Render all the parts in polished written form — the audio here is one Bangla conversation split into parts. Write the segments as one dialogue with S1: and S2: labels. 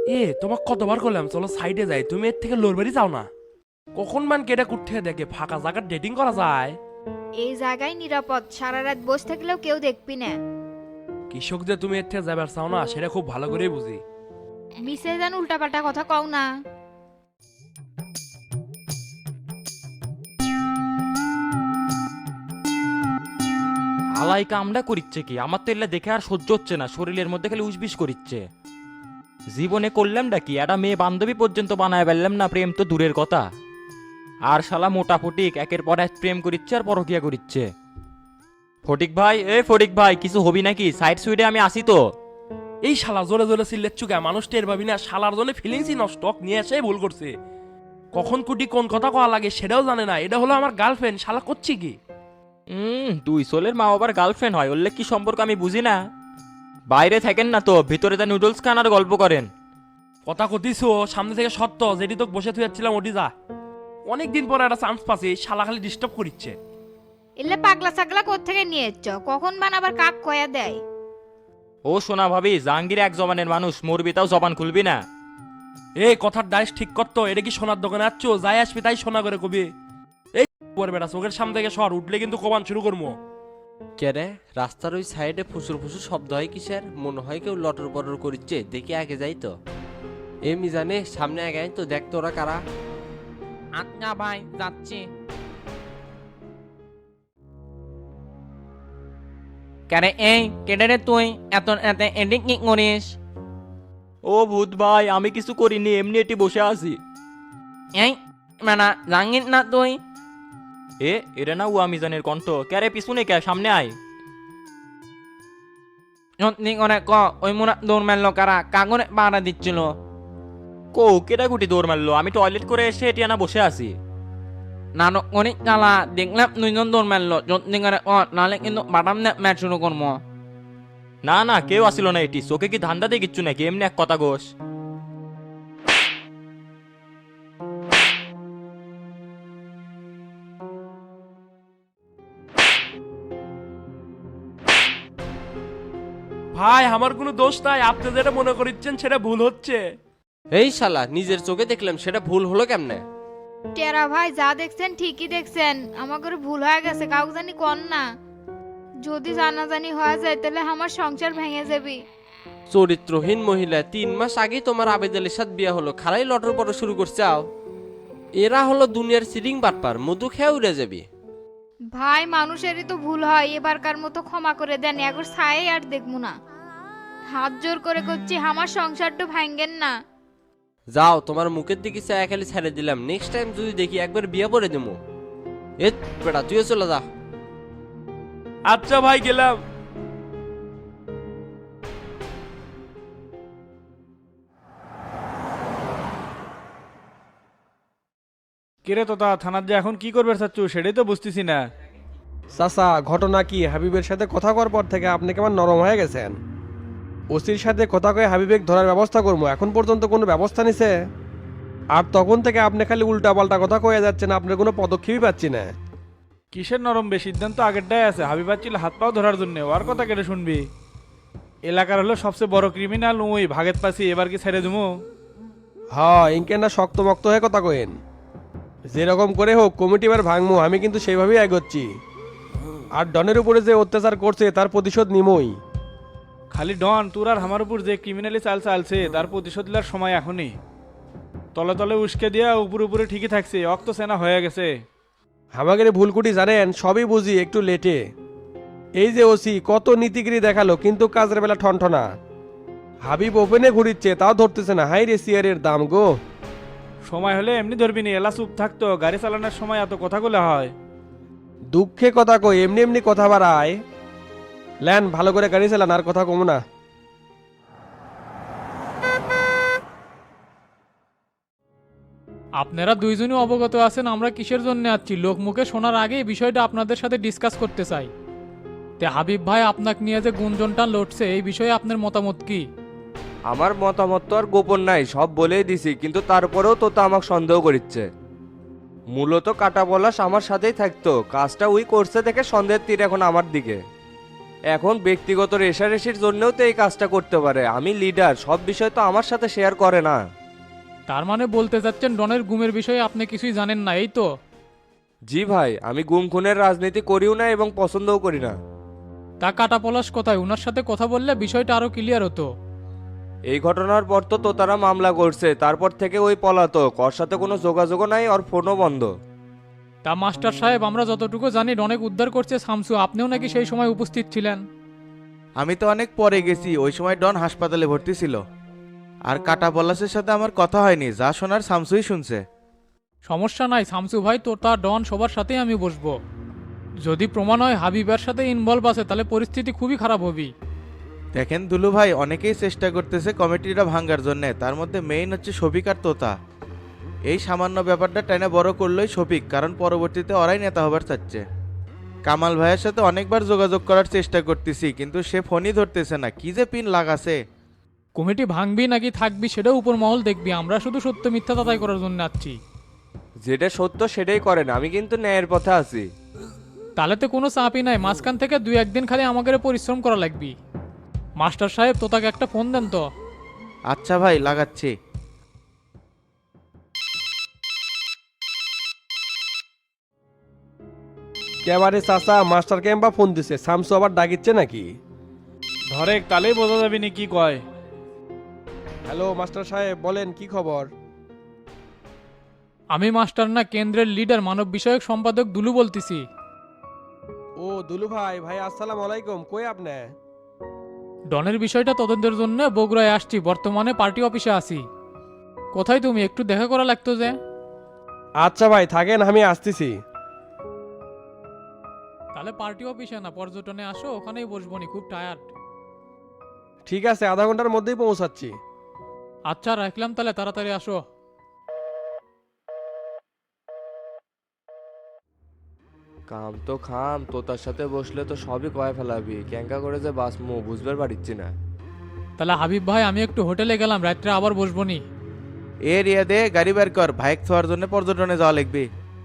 S1: তোমাকে কতবার করলাম চলো সাইডে যাই, তুমি এর থেকে লড়বারই যাও না। কখন মান কেটে কুঠতে দেখে ফাঁকা জায়গার ডেটিং করা যায়।
S2: এই জায়গায় নিরাপদ, সারা রাত বসে থাকলেও কেউ দেখবি না।
S1: কৃষক যে তুমি এর থেকে যাবার চাও না সেটা খুব ভালো করেই বুঝি।
S2: মিসে যেন উল্টাপাল্টা কথা কও না।
S3: আলাই কামডা করিচ্ছে কি? আমার তো এলে দেখে আর সহ্য হচ্ছে না, শরীরের মধ্যে খালি উসবিস করিচ্ছে। জীবনে করলামটা কি? একটা মেয়ে বান্ধবী পর্যন্ত বানায় পারলাম না, প্রেম তো দূরের কথা। আর শালা মোটা ফটিক একের পর এক প্রেম করিচ্ছে আর পরকিয়া করিচ্ছে। ফটিক ভাই, ফটিক ভাই, কিছু হবি নাকি? সাইড সুইডে আমি আসি তো।
S1: এই শালা জোরে জোরে চিল্লের চুকা মানুষ টের পাবি না, শালার জন্য ফিলিংসই নষ্ট নিয়ে এসে ভুল করছে। কখন কুটি কোন কথা কওয়া লাগে সেটাও জানে না। এটা হলো আমার গার্লফ্রেন্ড, শালা করছি কি?
S3: দুই সোলের মা বাবার গার্লফ্রেন্ড হয়, ওরলে কি সম্পর্ক আমি বুঝি না। বাইরে থাকেন না তো, ভিতরে তা নুডলস খান আর গল্প করেন।
S1: কথা কতিছো সামনে থেকে সত্য, যেটি তোকে বসে থুয়াচ্ছিলাম ওটি যা। অনেকদিন পরে একটা চান্স পাচ্ছি, শালা খালি ডিস্টার্ব করিচ্ছে।
S2: এলে পাগলা ছাগলা কোত্থেকে নিয়ে এসছ? কখন বানাবার কাক কয়া দেয়?
S3: ও সোনা ভাবি, জাহাঙ্গীর এক জবানের মানুষ, মরবি তাও জবান খুলবি না।
S1: এই কথার ডাইস ঠিক করতো। এটা কি সোনার দোকানে আসছ? যাই আসবি তাই সোনা করে কবি। এই বেটা চোখের সামনে থেকে সর, উঠলে কিন্তু কমান শুরু করবো।
S4: কেরে রাস্তার ওই সাইডে ফুসুর ফুসুর শব্দ হয় কিসের? মনে হয় কেউ লটর পটর করিচ্ছে, দেখি আগে যাই তো। এমনি জানে সামনে আগে আয় তো, দেখ তো ওরা কারা।
S5: আচ্ছা ভাই, যাচ্ছি। কেরে এই কেটে রে তুই এত এত এদিক কি করিস?
S3: ও ভূত ভাই, আমি কিছু করিনি, এমনি এটি বসে আছি।
S5: এই মানে জাঙ্গির না তুই?
S3: এরা না ও আমিজানের কণ্ঠ। ক্যারে পিছনে কে, সামনে আয়।
S5: সত্যি করে ক, ওই মোরা দৌড় মারলো কারা? কাগরে পাড়া দিচ্ছিল।
S3: কো কেটা গুটি দৌড় মারলো? আমি টয়লেট করে এসে এটি আনা বসে আছি।
S5: নাটক করে চালা, দেখলাম দুইজন দৌড় মারলো। সত্যি করে ক, নাহলে কিন্তু বাটাম ম্যাচ শুরু করবো।
S3: না না, কেউ আসিল না। এটি চোখে কি ধান্দা দিয়ে কিচ্ছু নাকি? এমনি এক কথা গোস।
S1: ভাই আমার কোনো দোষ নাই, আপনি যেটা মনে করিচ্ছেন সেটা ভুল হচ্ছে।
S4: এই শালা, নিজের চোখে দেখলাম, সেটা ভুল হলো কেমনে?
S2: টেরা ভাই যা দেখছেন ঠিকই দেখছেন, আমার করে ভুল হয়ে গেছে, কাউকে জানি কর না। যদি জানাজানি হয়ে যায় তাহলে আমার সংসার ভেঙে যাবে।
S4: চরিত্রহীন মহিলা, 3 মাস আগেই তোমার আবেদালের সাথে বিয়ে হলো, খালাই লটর পটর শুরু করছে। আও এরা হলো দুনিয়ার সিরিং বাটপার, মধু খেয়ে উড়ে যাবি।
S2: ভাই মানুষেরই তো ভুল হয়, এবারকার মতো ক্ষমা করে দেন, একবার ছাই আর দেখবো না। হাত জোর করে করছি, আমার সংসারটা ভাঙ্গেন না।
S4: যাও, তোমার মুখের দিকে চায়া খালি ছেড়ে দিলাম, নেক্সট টাইম যদি দেখি একবার বিয়ে করে দেবো। এ বেটা তুইও চলে যা।
S1: আচ্ছা ভাই গেলাম।
S6: কিরে তোতা, থানার যে এখন কি করবে চাচ্ছু সেটাই তো বুঝতেছি না।
S7: চাচা, ঘটনা কি? হাবিবের সাথে কথা কওয়ার পর থেকে আপনি কেমন নরম হয়ে গেছেন। ওসির সাথে কথা কয়ে হাবিবেক ধরার ব্যবস্থা করবো, এখন পর্যন্ত কোনো ব্যবস্থা নিছে? আর তখন থেকে আপনি খালি উল্টা পাল্টা কথা কয়ে যাচ্ছেন, আপনার কোনো পদক্ষেপই পাচ্ছি না।
S6: কিসের নরম? বে সিদ্ধান্ত আগেরটাই আছে। হাবিবার ছিল হাত পাও ধরার জন্য, ওর কথা কেটে শুনবি? এলাকার হলো সবচেয়ে বড় ক্রিমিনাল ওই ভাগেত পাছি, এবার কি ছেড়ে দেবো?
S7: হ্যাঁ, ইনকে না শক্ত মক্ত হয়ে কথা কয়েন। যেরকম করে হোক কমিটি এবার ভাঙমু, আমি কিন্তু সেইভাবেই এগোচ্ছি। আর ডনের উপরে যে অত্যাচার করছে তার প্রতিশোধ নিমই।
S6: খালি ডন, তোর আর আমার উপর যে ক্রিমিনালি চাল চালছে তার প্রতিশোধ নেওয়ার সময় এখনই। তলে তলে উস্কে দিয়া উপরে উপরে ঠিকই থাকছে, অক্ত সেনা হয়ে গেছে।
S7: আমাদের ভুলকুটি জানেন, সবই বুঝি একটু লেটে। এই যে ওসি কত নীতিগিরি দেখালো, কিন্তু কাজের বেলা ঠনঠনা। হাবিব ওপেনে ঘুরিচ্ছে, তাও ধরতেছে না। হাই রে সিয়ারের দাম গো।
S6: সময় হলে এমনি ধরবি নি, এলা চুপ থাকতো। গাড়ি চালানোর সময় এত কথাগুলো হয়?
S7: দুঃখে কথা কই, এমনি এমনি কথা বাড়ায়। ল্যান ভালো করে গাড়ি চালান, আর কথা কমো না।
S8: আপনারা দুইজনই অবগত আছেন আমরা কিসের জন্য আসছি। লোকমুখে শোনার আগে এই বিষয়টা আপনাদের সাথে ডিসকাস করতে চাই। তে হাবিব ভাই, আপনাকে নিয়ে যে গুঞ্জনটা লড়ছে এই বিষয়ে আপনার মতামত কি?
S9: আমার মতামত তো আর গোপন নাই, সব বলেই দিছি, কিন্তু তারপরেও তো আমাকে সন্দেহ করিচ্ছে। মূলত কাটা পলাশ আমার সাথেই থাকতো, কাজটা ওই করছে দেখে সন্দেহের তীর এখন আমার দিকে। এখন ব্যক্তিগত রেষারেষির জন্যও তো এই কাজটা করতে পারে। আমি লিডার, সব বিষয় তো আমার সাথে শেয়ার করে না।
S8: তার মানে বলতে চাচ্ছেন ডনের গুমের বিষয়ে আপনি কিছুই জানেন না, এই তো?
S9: জি ভাই, আমি গুম খুনের রাজনীতি করিও না এবং পছন্দও করি না।
S8: তা কাটা পলাশ কোথায়? ওনার সাথে কথা বললে বিষয়টা আরো ক্লিয়ার হতো।
S9: এই ঘটনার পর তো তারা মামলা করছে, তারপর থেকে ওই পলাতক, ওর সাথে কোনো যোগাযোগও নাই, ওর ফোনও বন্ধ।
S8: তা মাস্টার সাহেব, আমরা যতটুকু জানি ডনেক উদ্ধার করছে শামসু, আপনিও নাকি সেই সময় উপস্থিত ছিলেন?
S10: আমি তো অনেক পরে গেছি, ওই সময় ডন হাসপাতালে ভর্তি ছিল। আর কাটা পলাশের সাথে আমার কথা হয়নি, যা শোনার শামসুই শুনছে।
S8: সমস্যা নাই শামসু ভাই, তো তা ডন সবার সাথেই আমি বসবো। যদি প্রমাণ হয় হাবিবের সাথে ইনভলভ আছে তাহলে পরিস্থিতি খুবই খারাপ হবে।
S10: দেখেন দুলু ভাই, অনেকেই চেষ্টা করতেছে কমিটিটা ভাঙ্গার জন্য, তার মধ্যে মেইন হচ্ছে শফিক আর তোতা। এই সামান্য ব্যাপারটা টেনে বড় করলোই শফিক, কারণ পরবর্তীতে ওরাই নেতা হবার চাচ্ছে। কামাল ভাইয়ের সাথে অনেকবার যোগাযোগ করার চেষ্টা করতেছি, কিন্তু সে ফোনই ধরতেছে না, কি যে পিন লাগাছে।
S8: কমিটি ভাঙবি নাকি থাকবি সেটাও উপর মহল দেখবি, আমরা শুধু সত্য মিথ্যা তাতাই করার জন্য আছি।
S9: যেটা সত্য সেটাই করেন, আমি কিন্তু ন্যায়ের পথে আছি।
S8: তাহলে তো কোনো চাপই নাই, মাঝখান থেকে 2-1 দিন খালি আমাদের পরিশ্রম করা লাগবে। মাস্টার সাহেব, তোতাকে একটা ফোন দেন তো।
S10: আচ্ছা ভাই, লাগাচ্ছি।
S7: কেবারে চাচা, মাস্টার ক্যাম্পা ফোন দিছে, শামসু আবার ডাকিচ্ছে নাকি?
S6: ধরে তালেই বোঝা যাবে নি কি কয়।
S7: হ্যালো মাস্টার সাহেব, বলেন কি খবর?
S8: আমি মাস্টার না, কেন্দ্রের লিডার মানব বিষয়ক সম্পাদক দুলু বলতেছি।
S7: ও দুলু ভাই, ভাই আসসালামু আলাইকুম, কই আপনি?
S8: ডনের বিষয়টা তদন্তের জন্য বগুড়ায় আসছি, বর্তমানে পার্টি অফিসে আছি। কোথায় তুমি? একটু দেখা করা লাগতো যে।
S7: আচ্ছা ভাই থাকেন, আমি আসতেছি।
S8: তাহলে পার্টি অফিসে না, পর্যটনে আসো, ওখানেই বসবো নি, খুব টায়ার্ড।
S7: ঠিক আছে, আধা ঘন্টার মধ্যেই পৌঁছাচ্ছি।
S8: আচ্ছা রাখলাম, তাহলে তাড়াতাড়ি আসো।
S9: কাম তো খাম, তোতার সাথে বসলে তো সবই কয়ে ফেলাবি, ক্যাঙ্কা করে যে বাসমু বুঝবার পারিচ্ছি না।
S8: তাহলে হাবিব ভাই, আমি একটু হোটেলে গেলাম, রাত্রে আবার বসবো নি।
S10: এ রিয়া দে, গাড়ি বের কর, বাইক ছোঁয়ার জন্য পর্যটনে যাওয়া লাগবে।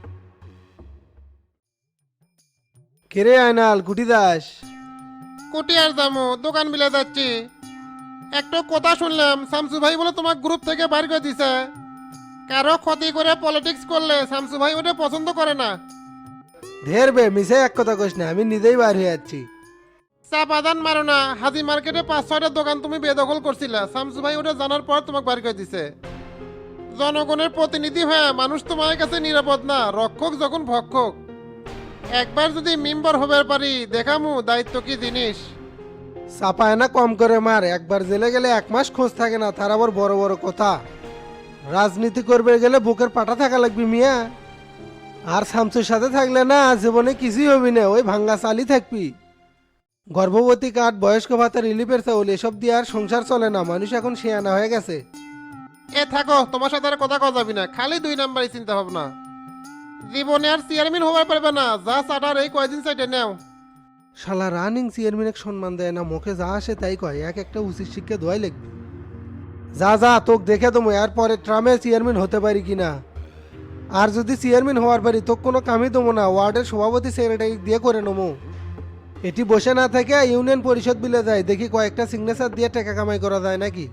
S11: কেরে আয়নাল গুটি দাস?
S12: কুটি আর দামো, দোকান মিলে যাচ্ছি। একটা কথা শুনলাম, শামসু ভাই বলে তোমার গ্রুপ থেকে বাইর করে দিছে। কারো ক্ষতি করে পলিটিক্স করলে শামসু ভাই ওটা পছন্দ করে না।
S11: ঢের বে, মিশে এক কথা কইস না, আমি নিজেই বাইর হয়ে যাচ্ছি।
S12: চা বাদান মারো না, হাজি মার্কেটে 5-6টা দোকান তুমি বেদখল করছিলা, শামসু ভাই ওটা জানার পর তোমাকে বাইর করে দিছে। জনগণের প্রতিনিধি হয়ে মানুষ তোমার কাছে নিরাপদ না, রক্ষক যখন ভক্ষক। একবার যদি মেম্বার হবার পারি, দেখামু দায়িত্ব কি জিনিস।
S11: চাপায় না কম করে মার, একবার জেলে গেলে 1 মাস খোঁজ থাকে না, তার আবার বড় বড় কথা। রাজনীতি করবে গেলে বুকের পাটা থাকা লাগবে মিয়া। আর শামসুর সাথে থাকলে না জীবনে কিছুই হবি না, ওই ভাঙ্গা চালি থাকবি। গর্ভবতী কার্ড, বয়স্ক ভাতা, রিলিফের চাউল এসব দিয়ে আর সংসার চলে না, মানুষ এখন শেয়ানা হয়ে গেছে।
S12: এ থাকো, তোমার সাথে আর কথা কওয়া যাবি না, খালি 2 নাম্বারই চিন্তা ভাবনা। জীবনে আর চেয়ারম্যান হবার পারবে না, যা চাটার এই কয়দিন সাইডে নেও।
S11: শালা রানিং চেয়ারম্যানের সম্মান দেয় না, মুখে যা আসে তাই কয়, এক একটা উচিত শিক্ষা দোয়াই লাগবে। যা যা, তোকে দেখে তুমি আর পরে ট্রামে চেয়ারম্যান হতে পারি কিনা। আর যদি চেয়ারম্যান হওয়ার পারি তোকে কোনো কামই দেবো না, ওয়ার্ডের সভাপতি সেক্রেটারি দিয়ে করে নেবো। এটি বসে না থেকে ইউনিয়ন পরিষদ বিলে যায়, দেখি কয়েকটা সিগনেচার দিয়ে টাকা কামাই করা যায় নাকি।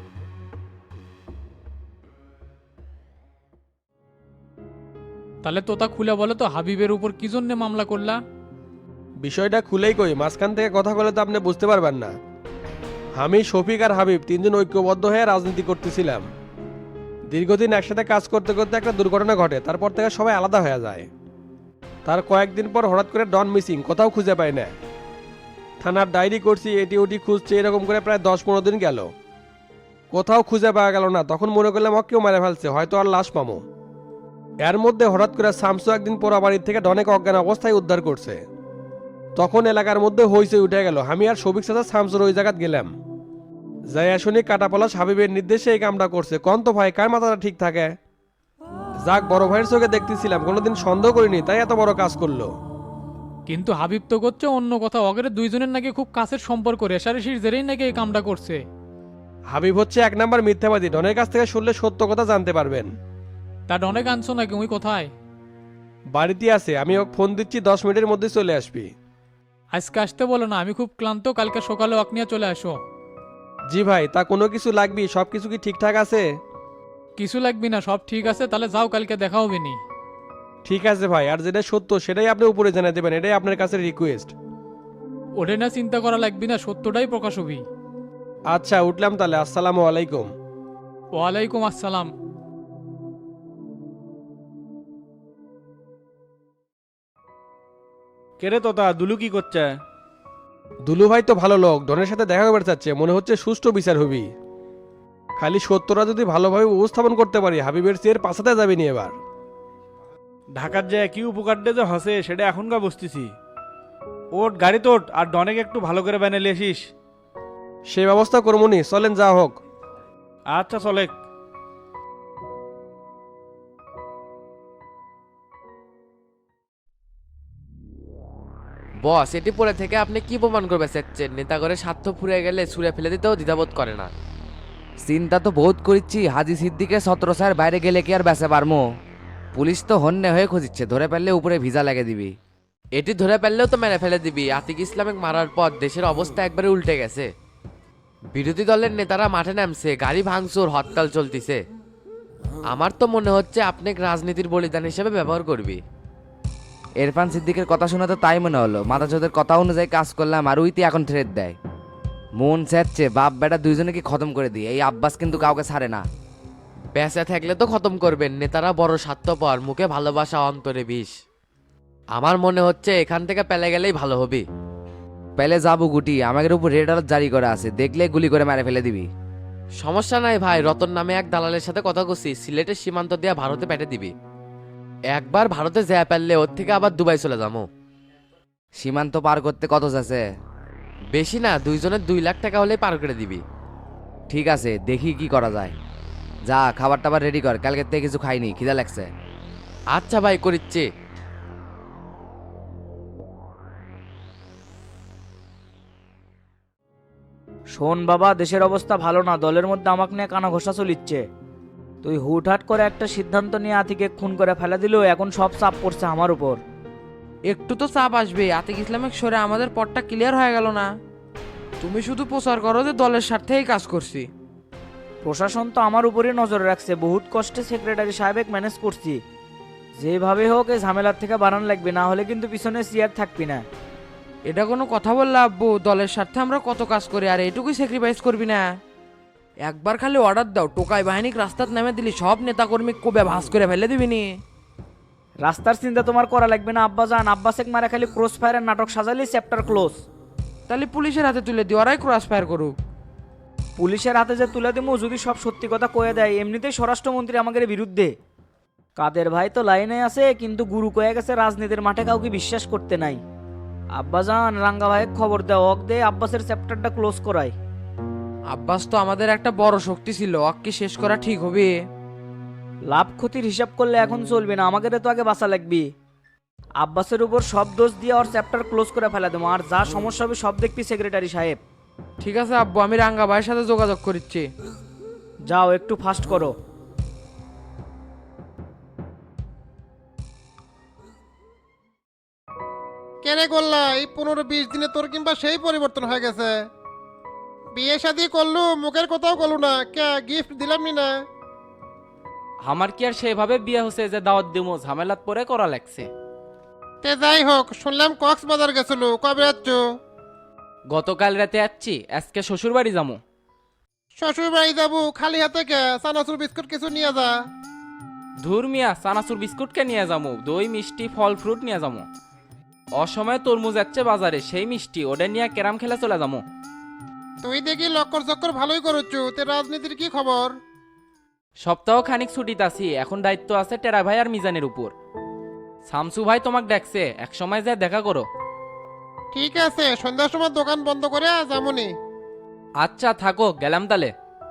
S8: তাহলে তোতা খুলে বলো তো, হাবিবের উপর কি জন্য মামলা করলা?
S7: বিষয়টা খুলেই কই, মাঝখান থেকে কথা বলে তো আপনি বুঝতে পারবেন না। আমি, শফিক আর হাবিব 3 জন ঐক্যবদ্ধ হয়ে রাজনীতি করতেছিলাম। দীর্ঘদিন একসাথে কাজ করতে করতে একটা দুর্ঘটনা ঘটে, তারপর থেকে সবাই আলাদা হয়ে যায়। তার কয়েকদিন পর হঠাৎ করে ডন মিসিং, কোথাও খুঁজে পাই না। থানার ডায়েরি করছি, এটি ওটি খুঁজছে, এরকম করে প্রায় 10-15 দিন গেল, কোথাও খুঁজে পাওয়া গেল না। তখন মনে করলাম কেউ মেরে ফেলছে, হয়তো আর লাশ পামো। এর মধ্যে হঠাৎ করে শামসু একদিন পোড়া বাড়ির থেকে ডনেক অজ্ঞান অবস্থায় উদ্ধার করছে। তখন এলাকার মধ্যে হইচই উঠে গেল। আমি আর শফিক চাচা শামসুর ওই জায়গায় গেলাম, যাই শুনি কাটা পলাশ হাবিবের নির্দেশে এই কামটা করছে। কন তো ভাই, কার মাথাটা ঠিক থাকে? যাক, বড় ভাইয়ের চোখে দেখতেছিলাম, কোনোদিন সন্দেহ করিনি, তাই এত বড় কাজ করলো।
S8: কিন্তু হাবিব তো করছে অন্য কথা, অগের 2 জনের নাকি খুব কাছের সম্পর্ক, রেশারেশির জেরেই নাকি এই কামটা করছে।
S7: হাবিব হচ্ছে 1 নাম্বার মিথ্যাবাদী, ডনের কাছ থেকে শুনলে সত্য কথা জানতে পারবেন।
S8: তা ডনে আনছো নাকি? ওই কোথায়?
S7: বাড়িতে আছে, আমি ওকে ফোন দিচ্ছি, 10 মিনিটের মধ্যে চলে আসবি।
S8: আজকে আসতে বলো না, আমি খুব ক্লান্ত, কালকে সকালে ওয়াক নিয়ে চলে আসো।
S7: জি ভাই, তা কোনো কিছু লাগবে? সব কিছু কি ঠিকঠাক আছে?
S8: কিছু লাগবে না, সব ঠিক আছে, তাহলে যাও, কালকে দেখা হবে নি।
S7: ঠিক আছে ভাই, আর যেটা সত্য সেটাই আপনি উপরে জানিয়ে দেবেন, এটাই আপনার কাছে রিকোয়েস্ট।
S8: ওটা না চিন্তা করা লাগবে না, সত্যটাই প্রকাশ হবি।
S7: আচ্ছা, উঠলাম তাহলে। আসসালামু আলাইকুম।
S8: ওয়ালাইকুম আসসালাম।
S6: কেরে তোতা, দুলু কি করছে?
S7: দুলু ভাই তো ভালো লোক, ডনের সাথে দেখা করতে চাচ্ছে, মনে হচ্ছে সুষ্ঠু বিচার হবি। খালি সত্যটা যদি ভালোভাবে উপস্থাপন করতে পারি, হাবিবের চেয়ের পাশাতে যাবে নি এবার।
S6: ঢাকার যে কি উপকার যে হসে সেটা এখনকার বুঝতেছি। ওট গাড়ি তোট, আর ডনেক একটু ভালো করে বানিয়ে আসিস।
S7: সে ব্যবস্থা করবো নি, চলেন যা হোক।
S6: আচ্ছা চলে।
S4: বস, এটি পরে থেকে আপনি কি প্রমাণ করবে চাচ্ছেন? নেতা করে স্বার্থ ফুরিয়ে গেলে ছুঁড়ে ফেলে দিতেও দ্বিধাবোধ করে না।
S5: চিন্তা তো বহুত করিচ্ছি, হাজি সিদ্দিকের 17 স্যার বাইরে গেলে কি আর বেঁচে পারমো? পুলিশ তো হন্যে হয়ে খুঁজিচ্ছে, ধরে ফেললে উপরে ভিসা লাগে দিবি।
S4: এটি ধরে ফেললেও তো মেরে ফেলে দিবি। আতিক ইসলামিক মারার পর দেশের অবস্থা একবারে উল্টে গেছে। বিরোধী দলের নেতারা মাঠে নামছে, গাড়ি ভাঙচুর, হরতাল চলতিছে। আমার তো মনে হচ্ছে আপনি রাজনীতির বলিদান হিসেবে ব্যবহার করবি।
S5: ইরফান সিদ্দিকের কথা শুনে তো তাই মনে হলো, মাদাচোদের কথা অনুযায়ী কাজ করলাম আর উইতি এখন থ্রেট দেয়। মন চাচ্ছে বাপ বেটা দুইজনে কি খতম করে দিই, এই আব্বাস কিন্তু কাউকে ছাড়ে না।
S4: বেঁচে থাকলে তো খতম করবেন, নেতারা বড় স্বার্থপর, মুখে ভালোবাসা অন্তরে বিষ। আমার মনে হচ্ছে এখান থেকে পেলে গেলেই ভালো হবে।
S5: পেলে যাবো গুটি, আমাদের উপর রেড অ্যালার্ট জারি করা আছে, দেখলে গুলি করে মেরে ফেলে দিবি।
S4: সমস্যা নাই ভাই, রতন নামে এক দালালের সাথে কথা কছি, সিলেটের সীমান্ত দিয়ে ভারতে পেটে দিবি। একবার ভারতে যা পারলে ওর থেকে আবার দুবাই চলে যাবো।
S5: সীমান্ত পার করতে কত আছে?
S4: বেশি না, দুইজনের 2 লাখ টাকা হলেই পার করে দিবি।
S5: ঠিক আছে, দেখি কি করা যায়। যা খাবার টাবার রেডি কর, কালকে থেকে কিছু খাইনি, খিদা লাগছে।
S4: আচ্ছা ভাই, করিচ্ছি।
S13: শোন বাবা, দেশের অবস্থা ভালো না, দলের মধ্যে আমাকে নিয়ে কানা ঘোষা চলিচ্ছে। তুই হুটহাট করে একটা সিদ্ধান্ত নিয়ে আতিকে খুন করে ফেলে দিল, এখন সব চাপ পড়ছে আমার উপর।
S14: একটু তো চাপ আসবে, আতিক ইসলামিক সরে আমাদের পথটা ক্লিয়ার হয়ে গেল না। তুমি শুধু প্রচার করো যে দলের স্বার্থেই কাজ করছি।
S13: প্রশাসন তো আমার উপরই নজর রাখছে, বহুত কষ্টে সেক্রেটারি সাহেব ম্যানেজ করছি। যেভাবে হোক এই ঝামেলার থেকে বাড়ান লাগবে, না হলে কিন্তু পিছনে চেয়ার থাকবি না।
S14: এটা কোনো কথা বললে আব্বু, দলের স্বার্থে আমরা কত কাজ করি, আর এটুকুই স্যাক্রিফাইস করবি না? একবার খালি অর্ডার দাও, টোকাই বাহিনী রাস্তাত নামে দিলি সব নেতাকর্মী কবে ভাস করে ফেলে দিবিনি।
S13: রাস্তার চিন্তা তোমার করা লাগবে না আব্বা জান, আব্বাসেক মারা খালি ক্রস ফায়ারের নাটক সাজালি চ্যাপ্টার ক্লোজ।
S14: তাহলে পুলিশের হাতে তুলে দিও, ওরাই ক্রস ফায়ার করুক।
S13: পুলিশের হাতে যে তুলে দেবো, যদি সব সত্যি কথা কয়ে দেয়, এমনিতেই স্বরাষ্ট্রমন্ত্রী আমাদের বিরুদ্ধে। কাদের ভাই তো লাইনে আছে, কিন্তু গুরু কয়ে গেছে রাজনীতির মাঠে কাউকে বিশ্বাস করতে নাই। আব্বাজান, রাঙ্গা ভাইয়ের খবর দেও, অক দে আব্বাসের চ্যাপ্টারটা ক্লোজ করায়।
S14: আব্বাস তো আমাদের একটা বড় শক্তি ছিল, অক্কি শেষ করা ঠিক হবে?
S13: লাভ ক্ষতির হিসাব করলে এখন চলবে না, আমাদের তো আগে বাঁচা লাগবে। আব্বাসের উপর সব দোষ দিয়ে ওর চ্যাপ্টার ক্লোজ করে ফেলা দেবো, আর যা সমস্যা হবে সব দেখবি সেক্রেটারি সাহেব।
S14: ঠিক আছে আব্বু, আমি রাঙ্গা ভাইয়ের সাথে যোগাযোগ করছি।
S13: যাও, একটু ফাস্ট করো।
S12: কেনে করলা এই 15-20 দিনে তোর কিংবা সেই পরিবর্তন হয়ে গেছে। বিয়ে শাদি করলু, মুখের কথাও করলু না, কে গিফট দিলাম নি না?
S3: আমার কি আর সেভাবে বিয়ে হচ্ছে যে দাওয়াত দিমো, ঝামেলাত পরে করা লাগছে।
S12: তে যাই হোক, শুনলাম কক্সবাজার গেছিল, কবে যাচ্ছ?
S3: গতকাল রাতে যাচ্ছি, আজকে শ্বশুর বাড়ি যাবো।
S12: শ্বশুর বাড়ি যাবো খালি হাতে কে? চানাচুর বিস্কুট কিছু নিয়ে যা।
S3: ধুর মিয়া, চানাচুর বিস্কুটকে নিয়ে যাবো, দই মিষ্টি ফল ফ্রুট নিয়ে যাবো। অসময়ে তরমুজ যাচ্ছে বাজারে, সেই মিষ্টি ওটা নিয়ে ক্যারাম খেলা চলে যাবো।
S12: তুই দেখি লক্কর চক্কর ভালোই করছো, তে রাজনীতির কি খবর?
S3: সপ্তাহ খানিক ছুটিতে আছি, এখন দায়িত্ব আছে টেরা ভাই আর মিজানের উপর। শামসু ভাই তোমাকে ডাকছে, এক সময় যায় দেখা করো।
S12: ঠিক আছে, সন্ধ্যার সময় দোকান বন্ধ করে যামনি।
S3: আচ্ছা থাকো, গেলাম তালে।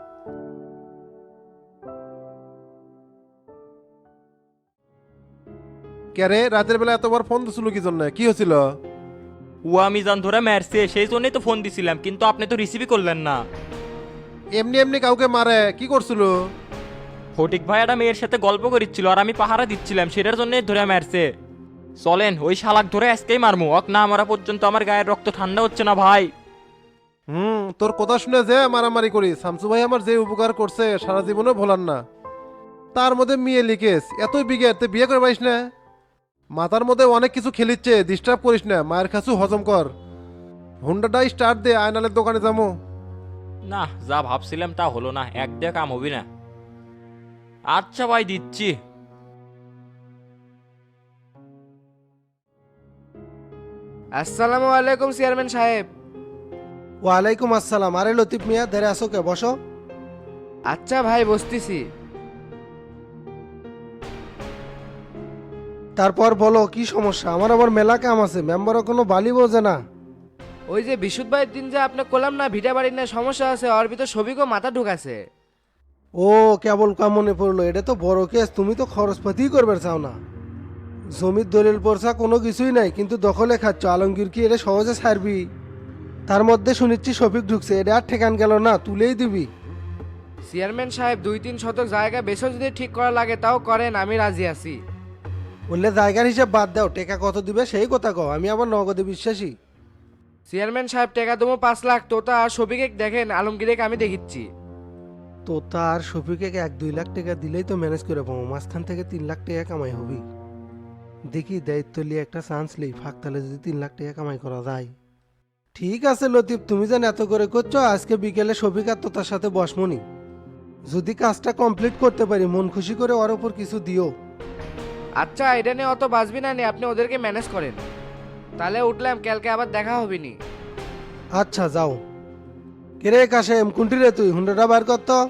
S12: কে রে, রাতের বেলা এতবার ফোন দিছিল কি জন্য? কি হয়েছিল?
S3: ও মিজান ধরে মারছে, সেই জন্যই তো ফোন দিছিলাম, কিন্তু আপনি তো রিসিভই করলেন না।
S12: এমনি এমনি কাউকে মারে? কি করছিল?
S3: ফটিক ভাই একটা মেয়ের সাথে গল্প করিচ্ছিল, আর আমি পাহারা দিচ্ছিলাম, সেটার জন্যই ধরে মারছে। চলেন ওই শালাক ধরে আজকেই মারমু, অক না মারা পর্যন্ত আমার গায়ের রক্ত ঠান্ডা হচ্ছে না ভাই।
S12: তোর কথা শুনে যে মারামারি করি, শামসু ভাই আমার যে উপকার করছে সারা জীবনে ভোলার না। তার মধ্যে মেয়ে লিকেস এতই বিঘের, তে বিয়ে করে পারিস না? মাথার মধ্যে অনেক কিছু খেলিচ্ছে, ডিস্টার্ব করিস না, মায়ের কাছু হজম কর। হুন্ডাটা স্টার্ট দে, আয়নালের দোকানে যাবো।
S3: না, যা ভাবছিলাম তা হলো না, এক দিয়ে কাম হবি না। আচ্ছা ভাই, দিচ্ছি।
S5: আসসালামু আলাইকুম চেয়ারম্যান সাহেব।
S11: ওয়ালাইকুম আসসালাম। আরে লতিফ মিয়া, ধরে আসো কে, বসো।
S5: আচ্ছা ভাই, বসতেছি।
S11: তারপর বলো কি সমস্যা? আমার আবার মেলা কাম আছে, মেম্বারও কোনো বালি বোঝে না।
S5: ওই যে বিশুদ্ধ ভাইয়ের দিন যে আপনি করলাম না ভিটা বাড়ির না সমস্যা আছে, ওর ভিতর সবিকও মাথা ঢুকাছে।
S11: ও কেবল কাম মনে পড়লো, এটা তো বড় কেস। তুমি তো খরচপাতি করবে চাও না। জমির দলিল পড়ছা কোনো কিছুই নাই, কিন্তু দখলে খাচ্ছ। আলমগীর কি এটা সহজে ছাড়বি? তার মধ্যে শুনিচ্ছি শফিক ঢুকছে, এটা আর ঠেকান গেল না, তুলেই দিবি।
S5: চেয়ারম্যান সাহেব 2-3 শতক জায়গা বেশি যদি ঠিক করা লাগে তাও করেন, আমি রাজি আছি।
S11: বললে জায়গার হিসাব বাদ দাও, টেকা কত দিবে সেই কথা কও, আমি আবার নগদে বিশ্বাসী।
S5: চেয়ারম্যান সাহেব টাকা দেবো 5 লাখ। তোতা আর শফিকে দেখেন, আলমগীরকে আমি দেখিচ্ছি।
S11: তো তার শফিকে 1-2 লাখ টাকা দিলেই তো ম্যানেজ করে পাবো, মাঝখান থেকে 3 লাখ টাকা কামাই হবি। দেখি দায়িত্ব নিয়ে একটা চান্স লই, ফাঁক তাহলে যদি 3 লাখ টাকা কামাই করা যায়। ঠিক আছে লতিফ, তুমি যেন এত করে করছো, আজকে বিকেলে শফিক আর তোতার সাথে বসমনি। যদি কাজটা কমপ্লিট করতে পারি, মন খুশি করে ওর ওপর কিছু দিও।
S5: আচ্ছা, এটা নিয়ে অত বাঁচবি না, আপনি ওদেরকে ম্যানেজ করেন। তাহলে উঠলাম, কালকে আবার দেখা হবে নি।
S11: আচ্ছা যাও। কেরে কাশেম, কুন্টি রে তুই? হুন্ডাটা বার কর তো।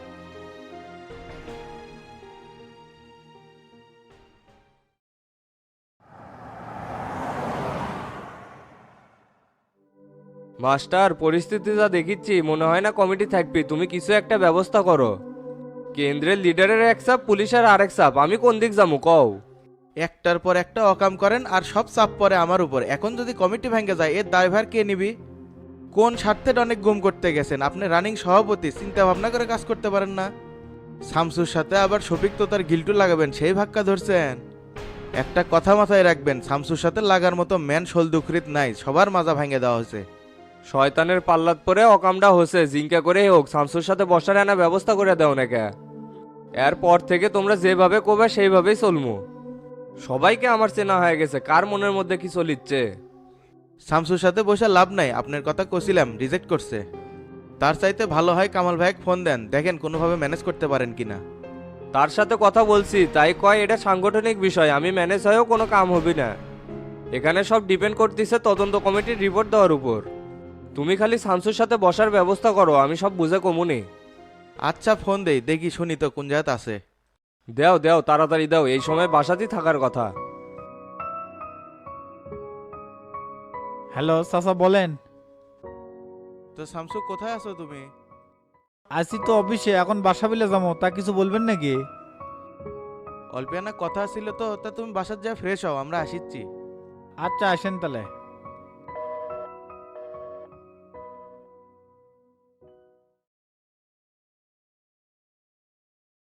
S9: মাস্টার, পরিস্থিতি যা দেখিচ্ছি মনে হয় না কমিটি থাকবি, তুমি কিছু একটা ব্যবস্থা করো। কেন্দ্রের লিডারের এক চাপ, পুলিশের আরেক চাপ, আমি কোন দিক যাবো কও?
S10: একটার পর একটা অকাম করেন আর সব চাপ পড়ে আমার উপর। এখন যদি কমিটি ভেঙে যায় এর দায়ভার কে নিবি? কোন স্বার্থে অনেক গুম করতে গেছেন? আপনি রানিং সভাপতি, চিন্তা ভাবনা করে কাজ করতে পারেন না? শামসুর সাথে আবার শফিক তো তার গিল্টু লাগাবেন, সেই ভাক্কা ধরছেন। একটা কথা মাথায় রাখবেন, শামসুর সাথে লাগার মতো ম্যান শোলদুখরিত নাই, সবার মাজা ভেঙে দেওয়া হয়েছে।
S9: শয়তানের পাল্লাত পরে অকামটা হচ্ছে, জিঙ্কা করে হোক শামসুর সাথে বসার আনা ব্যবস্থা করে দাও নাকি। এরপর থেকে তোমরা যেভাবে কোবে সেইভাবেই চলমু। সবাইকে আমার চেনা হয়ে গেছে, কার মনের মধ্যে কি চলিচ্ছে।
S10: শামসুর সাথে বসে লাভ নাই, আপনার কথা কছিলাম, রিজেক্ট করছে। তার চাইতে ভালো হয় কামাল ভাইকে ফোন দেন, দেখেন কোনোভাবে ম্যানেজ করতে পারেন কিনা।
S9: তার সাথে কথা বলছি, তাই কয় এটা সাংগঠনিক বিষয়, আমি ম্যানেজ হয়েও কোনো কাম হবে না। এখানে সব ডিপেন্ড করতেছে তদন্ত কমিটির রিপোর্ট দেওয়ার উপর। তুমি খালি শামসুর সাথে বসার ব্যবস্থা করো, আমি সব বুঝে কমুনি।
S10: আচ্ছা, ফোন দেই, দেখি শুনি তো কোন জায়গাতে আছে।
S9: দেও দেও, তাড়াতাড়ি দাও, এই সময় বাসাতেই থাকার কথা।
S6: হ্যালো চাচা, বলেন।
S10: তো শামসু, কোথায় আছো তুমি?
S6: আছি তো অফিসে, এখন বাসা বিলে যাবো, তা কিছু বলবেন নাকি?
S10: অল্পিয়ানা কথা ছিল তো, তা তুমি বাসার যা ফ্রেশ হও, আমরা আসিচ্ছি।
S6: আচ্ছা, আসেন তাহলে।